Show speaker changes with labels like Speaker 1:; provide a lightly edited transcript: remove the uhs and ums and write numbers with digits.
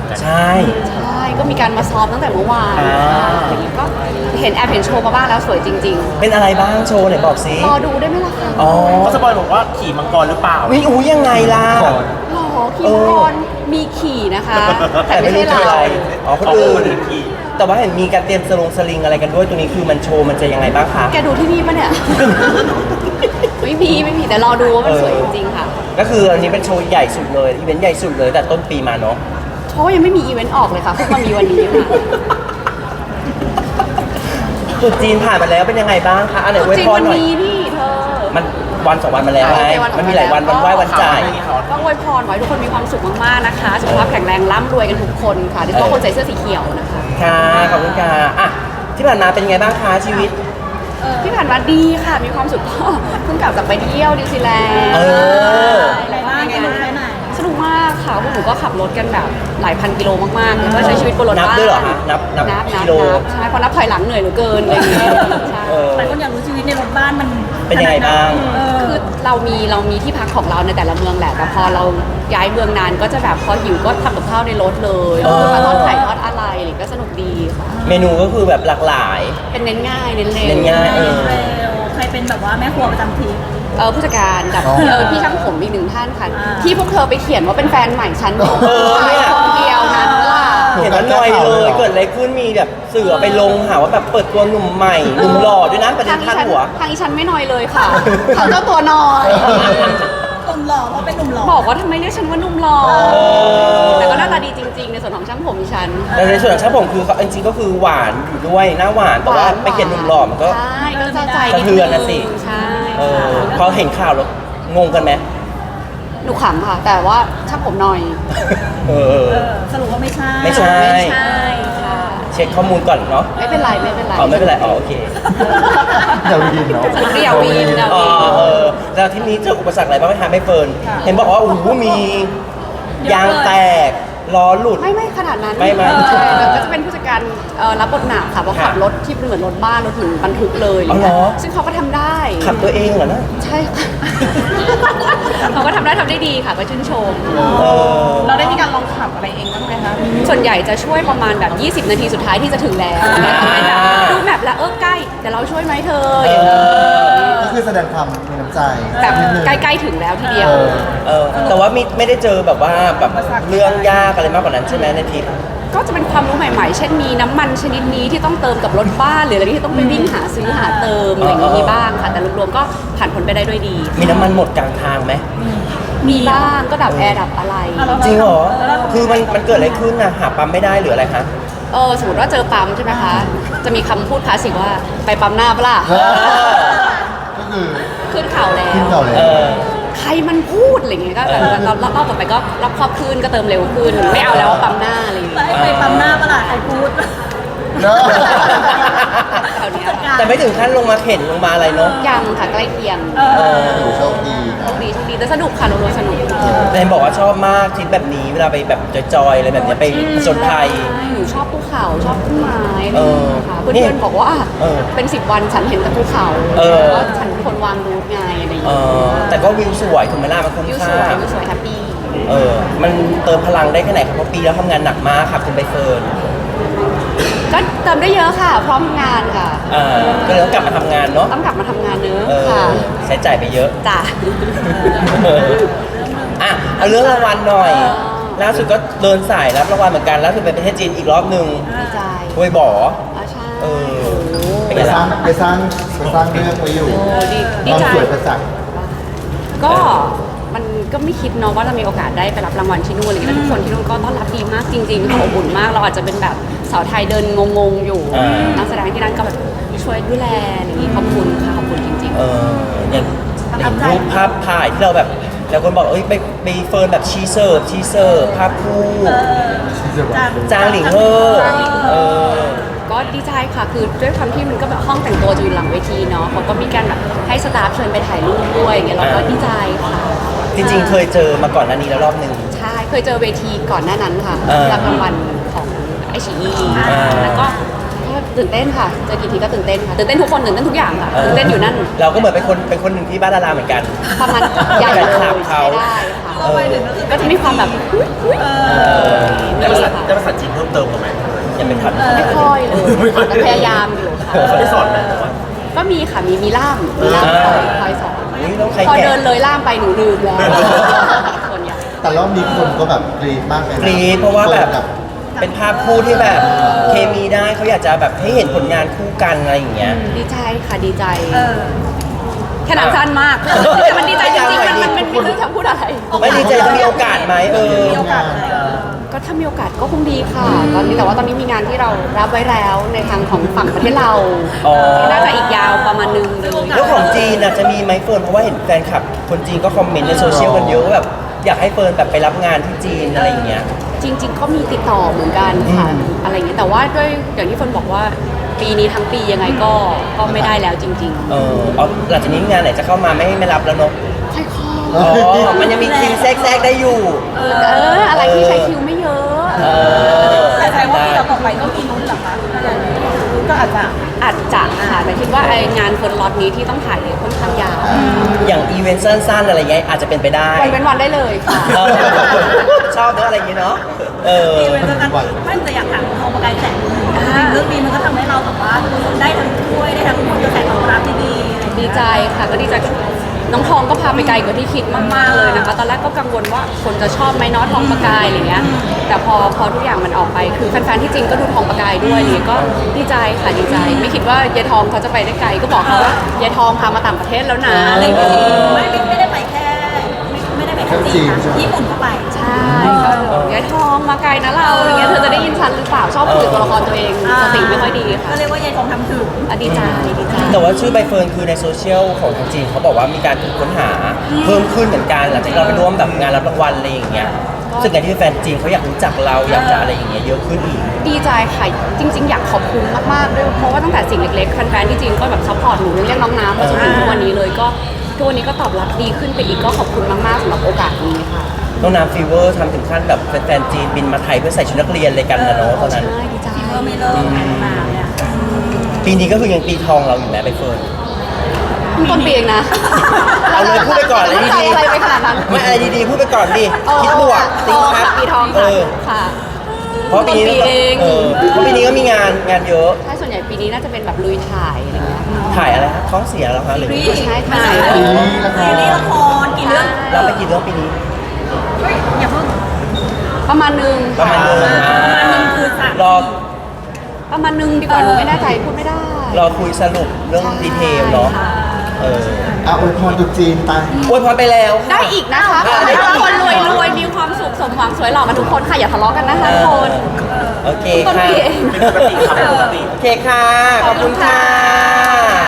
Speaker 1: กัน
Speaker 2: ใช่
Speaker 3: ก็มีการมาซ้อมตั้งแต่เมื่อวานอย่างนี้ก็เห็นโชว์มาบ้างแล้วสวยจริงๆ
Speaker 2: เป็นอะไรบ้างโชว์ไหนบอกสิ
Speaker 3: รอดูได้ไหมล่ะคะ
Speaker 2: อ๋อ
Speaker 1: เขาสปอยบอกว่าขี่มังกรหรือเปล่า
Speaker 2: วิอู้ยังไงล่ะ
Speaker 3: หรอขี่มังกรมีขี่นะคะ แต่ไม่ใช่
Speaker 2: คือ
Speaker 3: เรา
Speaker 2: อะไรอ๋อคนอื่นแต่ว่าเห็นมีการเตรียมสลิงอะไรกันด้วยตัวนี้คือมันโชว์มันจะยังไงบ้างคะ
Speaker 3: แกดูที่นี่ปะเนี่ย ไม่มีแต่รอดูว่ามันสวยจริงๆค่ะ
Speaker 2: ก็คืออันนี้เป็นโชว์ใหญ่สุดเลยอีเวนต์ใหญ่สุดเลยแต่ต้นปีมาเนาะ
Speaker 3: เพราะว่ายังไม่มีอีเวนต์ออกเลยค่ะเพิ่งมามีวันนี้ค่ะ
Speaker 2: ตรุษจีนผ่านมาแล้วเป็นยังไงบ้างคะอันไหนอวย
Speaker 3: จริง
Speaker 2: พร
Speaker 3: วัน
Speaker 2: หน่อย
Speaker 3: นี้นี่เธอ
Speaker 2: มันวันสองวันมาแล้วไง
Speaker 3: ใช่
Speaker 2: มันมีหลายวันไหว้วันจ่าย
Speaker 3: ก็อวยพรขอให้ทุกคนมีความสุขมากๆนะคะสุขภาพแข็งแรงร่ำรวยกันทุกคนค่ะโดยเฉพาะคนใส่เสื้อสีเขียวนะคะ
Speaker 2: ค่ะขอบคุณค่ะอ่ะที่ผ่านมาเป็นไงบ้างคะชีวิต
Speaker 3: ที่ผ่านมาดีค่ะมีความสุขก็เพิ่งกลับจากไปเที่ยวนิวซีแลนด์
Speaker 4: อะไรบ้างกันไปไหน
Speaker 3: สนุกมากค่ะพวกหนูก็ขับรถกันแบบหลายพันกิโลมากๆแล้วก็ใช้ชีวิตบนรถ
Speaker 2: นับ
Speaker 3: บ้าน
Speaker 2: ด้วยเหรอคะนับกิโล
Speaker 3: ใช่เพราะนับถอยหลังเหนื่อยเหลือเกินอะไรอย่างเงี้ยใช่
Speaker 4: หลายคนอยากรู้ชีวิตในรถบ้านมัน
Speaker 2: เป็นยังไงบ้าง
Speaker 3: คือเรามีที่พักของเราในแต่ละเมืองแหละแต่พอเราย้ายเมืองนานก็จะแบบพอหิวก็ทำกับข้าวในรถเลยแล้วก็มาทอดไข่ทอดอะไรอะไรก็สนุกดีค่ะ
Speaker 2: เมนูก็คือแบบหลากหลาย
Speaker 3: เป็นเน้นง่ายเน้นเร็ว
Speaker 2: เน้นง่าย
Speaker 4: ใครเป็นแบบว่าแม่ครัวประจำทีม
Speaker 3: ผู้จัดการกับพี่ช่างผมอีกหนึ่งท่านค่ะ
Speaker 4: อ่า
Speaker 3: ที่พวกเธอไปเขียนว่าเป็นแฟนใหม่ฉัน
Speaker 2: เนี่ย
Speaker 3: คนเดียวนั้นล่ะ
Speaker 2: เห็นว่าหน่อยเลยเกิดอะไรขึ้นมีแบบสื่อไปลงหาว่าแบบเปิดตัวหนุ่มใหม่หนุ่มหล่อด้วยนะประเด็นพาดหัว
Speaker 3: ทางอีฉันไม่น้อยเลยค่ะเขาเจ้าตัวน้อย
Speaker 4: หนุ่มหล่อเพราะเป็นหนุ่มหล่อ
Speaker 3: บอกว่าทำไมเรียกฉันว่าหนุ่มหล่อแต่ก็หน้าตาดีจริงๆ ในส่วนของช่างผมอีฉัน
Speaker 2: แต่ในส่วนของช่างผมคือเขาจริงๆก็คือหวานอยู่ด้วยหน้าหวานแต่ว่าไปเขียนหนุ่มหล่อมันก็
Speaker 3: ใช่ก็เจ้าใจ
Speaker 2: สะเทือนนะสิ
Speaker 3: ใช่
Speaker 2: เออ
Speaker 3: ค่ะ
Speaker 2: พอเห็นข่าวแล้วงงกันไหม
Speaker 3: หนูขำค่ะ แต่ว่าช่างผมหน่อย
Speaker 2: เออ
Speaker 4: สรุปว่าไม่ใช่
Speaker 2: ไม่ใช่
Speaker 3: ไม่ใช่ค่ะ
Speaker 2: เช็คข้อมูลก่อนเนาะ
Speaker 3: ไม่เป็นไรไม่เป็นไร
Speaker 2: อ๋อไม่เป็นไรอ๋อโอเค
Speaker 5: อย่าวีนเนาะ
Speaker 3: อย่าวีนอย่า
Speaker 2: อ๋อ
Speaker 3: วีน
Speaker 2: เออแล้วที่นี้เจออุปสรรคอะไรบ้างไหมคะไม่เฟิร์นเห็นบอกว่าโอ้โหมียางแตกล้อหลุด
Speaker 3: ไม่ขนาดนั้น
Speaker 2: ไม่
Speaker 3: ใช่ก็จะเป็นผู้จัดการรับบทหนักค่ะเพราะขับรถที่เป็นเหมือนรถบ้านรถถึงบรรทุกเลย
Speaker 2: อ๋อเหรอ
Speaker 3: ซึ่งเขาก็ทำได้
Speaker 2: ขับตัวเองเหรอนะ
Speaker 3: ใช่ค่ะ เขาก็ทำได้ดีค่ะก็ชื่นชม
Speaker 2: เออ
Speaker 3: เราได้มีการลองขับอะไรเองบ้างไหมคะส่วนใหญ่จะช่วยประมาณแบบ 20 นาทีสุดท้ายที่จะถึงแล้วดูแมพแล้วใกล้แต่เราช่วยไหมเธออย่างนี้
Speaker 5: ก็คือแสดงความมีน้ำใจ
Speaker 3: แบบ
Speaker 5: นิดนึง
Speaker 3: ใกล้ๆถึงแล้วทีเดียว
Speaker 2: แต่ว่าไม่ได้เจอแบบว่าแบบเรื่องยากอะไรมากกว่านั้นใช่ไหมในทริป
Speaker 3: ก็จะเป็นความรู้ใหม่ๆ เช่นมีน้ำมันชนิดนี้ที่ต้องเติมกับรถบ้านหรืออะไรที่ต้องไปวิ่งหาซื้อหาเติมอะไรอย่างนี้มีบ้างค่ะ แต่รวมๆก็ผ่านพ้นไปได้ด้วยดี
Speaker 2: มีน้ำมันหมดกลางทางไหม
Speaker 3: มีบ้างก็ดับแอร์ดับอะไร
Speaker 2: จริงเหรอ คือมันเกิดอะไรขึ้นนะหาปั๊มไม่ได้หรืออะไรคะ
Speaker 3: สมมติว่าเจอปั๊มใช่ไหมคะ จะมีคำพูดคลาสสิกว่าไปปั๊มหน้าปะล่ะ
Speaker 5: ก็คือ
Speaker 3: ขึ้นเขาแล้ว
Speaker 5: ขึ้นเก่าเลย
Speaker 2: เออ
Speaker 3: ใครมันพูดอะไรอย่างเงี้ยก็แบบรอบต่อไปก็รอบครอบขึ้นก็เติมเร็วขึ้น ไม่เอาแล้วปั๊มหน้าอะไรอย่างเงี้ย
Speaker 4: ไปปั๊มหน้าประหลาดใครพูด
Speaker 5: เนอะ
Speaker 3: แถวเนี้ยค่ะ
Speaker 2: แต่ไม่ถึงขั้นลงมาเข็นลงมาอะไรเนาะ
Speaker 3: ยังค่ะใกล้เคียง
Speaker 5: ดูโชคดี
Speaker 3: โชคดีแต่สนุกค่ะรวมๆสนุก
Speaker 2: แต่เห็นบอกว่าชอบมากทริปแบบนี้เวลาไปแบบจอยๆอะไรแบบเนี้ยไปผจญภัย
Speaker 3: หนูชอบภูเขาชอบต้นไม้อะไร
Speaker 2: เอ
Speaker 3: อย่าง
Speaker 2: อ
Speaker 3: เงี้ยค่ะเพื่
Speaker 2: นี่
Speaker 3: อนๆบอกว่า
Speaker 2: เออ
Speaker 3: เป็น10 วันฉันเห็นแต่ภูเขา
Speaker 2: เออ
Speaker 3: ว่าฉันเป็นคนวางรูทไงอะไรอย่าง
Speaker 2: เอ
Speaker 3: เงี้ย
Speaker 2: อแต่ก็วิวสวยถูกไหมล่ะมันคุ้ม
Speaker 3: วิวส
Speaker 2: ค่า
Speaker 3: วยวิวสวยแฮปปี้
Speaker 2: มันเติมพลังได้แค่ไหนครับเพราะปีแล้วทำงานหนักมากค่ะคุณใบเฟิร์น
Speaker 3: ก็เติมได้เยอะค่ะ พร้อมทำงานค่ะ
Speaker 2: ก็เลยต้องกลับมาทำงานเนาะ
Speaker 3: ต้องกลับมาทำงานเนื้อะ
Speaker 2: เออ
Speaker 3: ค่ะ
Speaker 2: ใช้จ่ายไปเยอะ
Speaker 3: จ้ะ
Speaker 2: อ่ะเอาเรื่องรางวัลหน่อยล่าสุดก็เดินสายรับรางวัลเหมือนกันล่าสุดไปประเทศจีนอีกรอบหนึ่ง
Speaker 3: ดีใจ
Speaker 2: ห้วยบ่อ
Speaker 3: ใช่
Speaker 2: เออ
Speaker 3: โอ้
Speaker 2: เป็น
Speaker 5: ไป
Speaker 2: ไง
Speaker 5: สร้า
Speaker 2: ล่ะ
Speaker 5: งไปสร้างเรื่องไว้อยู่
Speaker 3: ดี
Speaker 5: ความ
Speaker 3: ใจ
Speaker 5: สวยประจักษ์
Speaker 3: ก็มันก็ไม่คิดเนาะว่าเรามีโอกาสได้ไปรับรางวัลที่นู่นอะไรอย่างเงี้ยแล้วทุกคนที่นู่นก็ต้อนรับดีมากจริงๆค่ะอบอุ่นมากเราอาจจะเป็นแบบสาวไทยเดินงงๆอยู่นักแสดงที่นั่นก็แบบช่วยดูแลอะไรอย่างงี้ขอบคุณค่ะขอบคุณจริง
Speaker 2: อย่างรูปภาพถ่ายที่เราแบบแล้วคนบอกเอ้ยไปเฟิร์นแบบชีเสิร์ฟภาพคู่จางหลิงเฮอเออ
Speaker 3: ๆก็ดีใจค่ะคือด้วยความที่มันก็แบบห้องแต่งตัวจะอยู่หลังเวทีเนาะเขาก็มีการแบบให้สตาฟเชิญไปถ่ายรูปด้วยอย่างเงี้ยเราก็ดีใจค่ะ
Speaker 2: จริงๆเคยเจอมาก่อนหน้านี้แล้วรอบหนึ่ง
Speaker 3: ใช่เคยเจอเวทีก่อนหน้านั้นค่ะ
Speaker 2: เออ
Speaker 3: รับรางวัลของไอชีอี
Speaker 2: อ่า
Speaker 3: แล้วก็ตื่นเต้นค่ะเจอกี่ทีก็ตื่นเต้นค่ะตื่นเต้นทุกคนตื่นเต้นทุกอย่างค่ะตื่นเต้นอยู่นั่น
Speaker 2: เราก็เหมือนเป็นคนหนึ่งที่บ้านดาราเหมือนกัน
Speaker 3: ประมาณใหญ่เลย
Speaker 2: แฟนคลับเขา
Speaker 3: ใช้ได้ค่ะ
Speaker 4: เข้าไปถึงก็คือ
Speaker 3: ก็จะมีความแบบ
Speaker 2: แต่
Speaker 1: เติมกันไหม
Speaker 2: ยังเป็นทัน
Speaker 3: ไม่ค่อยเลยแต่พยายามอยู่ค่ะ
Speaker 1: เขาได้สอนไหมแต่ว่า
Speaker 3: ก็มีค่ะมีล่ามคอยสอน
Speaker 2: นี่ต้องใคร
Speaker 3: พอ
Speaker 2: แกะ
Speaker 3: เดินเลยล่ามไปหนูลืมแล้วส่วนใหญ่
Speaker 5: แต่รอบนี้คนก็แบบกรี๊ดมากเลยนะ
Speaker 2: กรี๊ดเพราะว่าแบบ
Speaker 5: ฟิร์นกับ
Speaker 2: เป็นภาพคู่ที่แบบเคมีได้เขาอยากจะแบบให้เห็นผลงานคู่กันอะไรอย่างเงี้ย
Speaker 3: ดีใจค่ะดีใจ
Speaker 4: เออ
Speaker 3: แค่นั้นสั้นมากแต่มันดีใจจริงๆมันไม่รู้จะพูดอะไร
Speaker 2: ไม่ดีใจจะมีโอกาสไหม
Speaker 4: มีโอกาสอะไร
Speaker 3: ก็ถ้ามีโอกาสก็คงดีค่ะ ตอนนี้แต่ว่าตอนนี้มีงานที่เรารับไว้แล้วในทางของฝั่งประเทศเรา
Speaker 2: อ๋อ
Speaker 3: ที่น่าจะอีกยาวประมาณนึงเลย
Speaker 2: แล้วของจีนน่ะจะมีไหมเฟิร์นเพราะว่าเห็นแฟนคลับคนจีนก็คอมเมนต์ในโซเชียลกันเยอะว่าแบบอยากให้เฟิร์นแบบไปรับงานที่จีนอะไรอย่างเงี้ย
Speaker 3: จริงๆก็มีติดต่อเหมือนกันค่ะอะไรอย่างเงี้ยแต่ว่าด้วยอย่างที่เฟิร์นบอกว่าปีนี้ทั้งปียังไงก็ไม่ได้แล้วจริง
Speaker 2: เอาหลังจากนี้งานไหนจะเข้ามาไม่รับแล้วเนอะ
Speaker 3: ๆค่อย
Speaker 2: อ๋อมันยังมีคิวแทรกได้อยู่
Speaker 3: อะไรที่ใช้คิวไม่เยอะ
Speaker 4: แต่แสดงว่าปีต่อไปก็มีลุ้นเหรอคะก็อาจจะ
Speaker 3: อาจจะค่ะแต่คิดว่าไองานเฟิร์นล็อตนี้ที่ต้องถ่ายเนี่ยค่อนข้างยาว
Speaker 2: อย่างอีเวนต์สั้นๆอะไรเงี้ยอาจจะเป็นไปได้
Speaker 3: วันเว้นวันได้เลยค่ะ
Speaker 2: เออชอบเนอะอะไรอย่างเงี้ยเนาะ
Speaker 4: ปีเว้นกันไม่แต่อยากถามทองประกายแสงเรื่องนี้มันก็ทำให้เราแบบว่าได้ทั้งถ้วยได้ทั้งผลกระแสตอบรับที่ดี
Speaker 3: ดีใจค่ะก็ดีใจน้องทองก็พาไปไกลกว่าที่คิดมากๆเลยนะคะตอนแรกก็กังวลว่าคนจะชอบไหมเน้อทองประกายอะไรเงี้ยแต่พอทุกอย่างมันออกไปคือแฟนๆที่จริงก็ดูทองประกายด้วยนี่ก็ดีใจค่ะดีใจ ไม่คิดว่ายายทองเขาจะไปได้ไกลก็บอกเขาว่ายายทองพามาต่างประเทศแล้วนะอะไรอย่างเงี้ย
Speaker 4: ไม่ได้ไปแค่ไม่ได้ไปแค่จีนนะญี่ปุ่นก็ไป
Speaker 3: ใช่ก็ยายทองมาไกลนะเราอะไรเงี้ยเธอจะได้ยินฉันหรือเปล่าชอบคุยกับตัวละครตัวเองสติไม่ค่อยดีค่ะ
Speaker 4: ก็เรียกว่ายายทองทำถึง
Speaker 3: ดีใจดีใจ
Speaker 2: แต่ว่าชื่อใบเฟิร์นคือในโซเชียลของทางจีนเขาบอกว่ามีการถูกค้นหาเพิ่มขึ้นเหมือนกันหลังจากที่เราไปร่วมแบบงานรับรางวัลอะไรอย่างเงี้ยซึ่งการที่แฟนจีนเขาอยากรู้จักเราอยากจะอะไรอย่างเงี้ยเยอะขึ้นอีก
Speaker 3: ดีใจค่ะจริง ๆ อยากขอบคุณมากๆด้วยเพราะว่าตั้งแต่สิ่งเล็กๆแฟนๆที่จีนก็แบบซัพพอร์ตหนูเรียกน้องน้ำมาจนถึงทุกวันนี้เลยก็ทุกวันนี้ก็ตอบรับดีขึ้นไปอีกก็ขอบคุณมากๆสำหรับโอกาสนี้ค่ะ
Speaker 2: น้องน้ำฟีเวอร์ทำถึงขั้นแบบแฟนๆจีนบินมาไทยเพื่อใส่ชุดนักเรียนเลยกันนะเนาะตอนนั้น
Speaker 3: ใช่ดีใจ
Speaker 4: เออไม่เลิกมาเนี่ย
Speaker 2: ปีนี้ก็คือยังปีทองเราอยู่นะใบเฟิร์น
Speaker 3: ต้นปีเองนะ
Speaker 2: เอาเลยพูดไปก่อนเลย
Speaker 3: ใจ
Speaker 2: ดี
Speaker 3: อะไรไปขนาดนั้น
Speaker 2: ๆไม่อะไรดีๆพูดไปก่อนดิคิดบวก
Speaker 3: ท
Speaker 2: ติ๊
Speaker 3: อง ง
Speaker 2: ครั
Speaker 3: ค่ะ
Speaker 2: บ
Speaker 3: ปีทอง
Speaker 2: เอ
Speaker 3: ค่ะ
Speaker 2: อ
Speaker 3: ค่ะ
Speaker 2: เพราะปีนี้
Speaker 3: ต้นปีเอง
Speaker 2: เพราะปีนี้ก็มีงานเยอะ
Speaker 3: ใช่ส่วนใหญ่ปีนี้น่าจะเป็นแบบลุยถ่ายอะไรเงี้ย
Speaker 2: ถ่ายอะไรฮะท้องเสียแล้วคะหรือ
Speaker 3: ใช่ถ่าย
Speaker 5: ซีรีส์ละค
Speaker 4: ซีรีส์
Speaker 5: ร
Speaker 4: ละครกี่เรื่อง
Speaker 2: เราไปกี่เรื่องปีนี้
Speaker 4: อย่าเพิ่ง
Speaker 3: ประมาณนึง
Speaker 2: ประมาณนึง
Speaker 4: คือสาม
Speaker 2: รอ
Speaker 3: ประมาณนึงดีกว่าหนูไม่แน่ใจพูดไม่ได้
Speaker 2: รอคุยสรุปเรื่องดีเทลเนาะ
Speaker 5: อ่ะอวยพรตรุ๊จีนไป
Speaker 2: อวยพรไปแล้วค่ะ
Speaker 3: ได้อีกนะคะขอให้ทุกคนรวยมีความสุขสมหวังสวยหล่อมาทุกคนค่ะอย่าทะเลาะกันนะคะทุกคน
Speaker 2: โอเค
Speaker 3: ต้น
Speaker 2: ค่ะ
Speaker 3: ปีเอง
Speaker 1: เป็นปกติครับเป็นปกติ
Speaker 2: โอเคค่ะ ขอบคุณค่ะ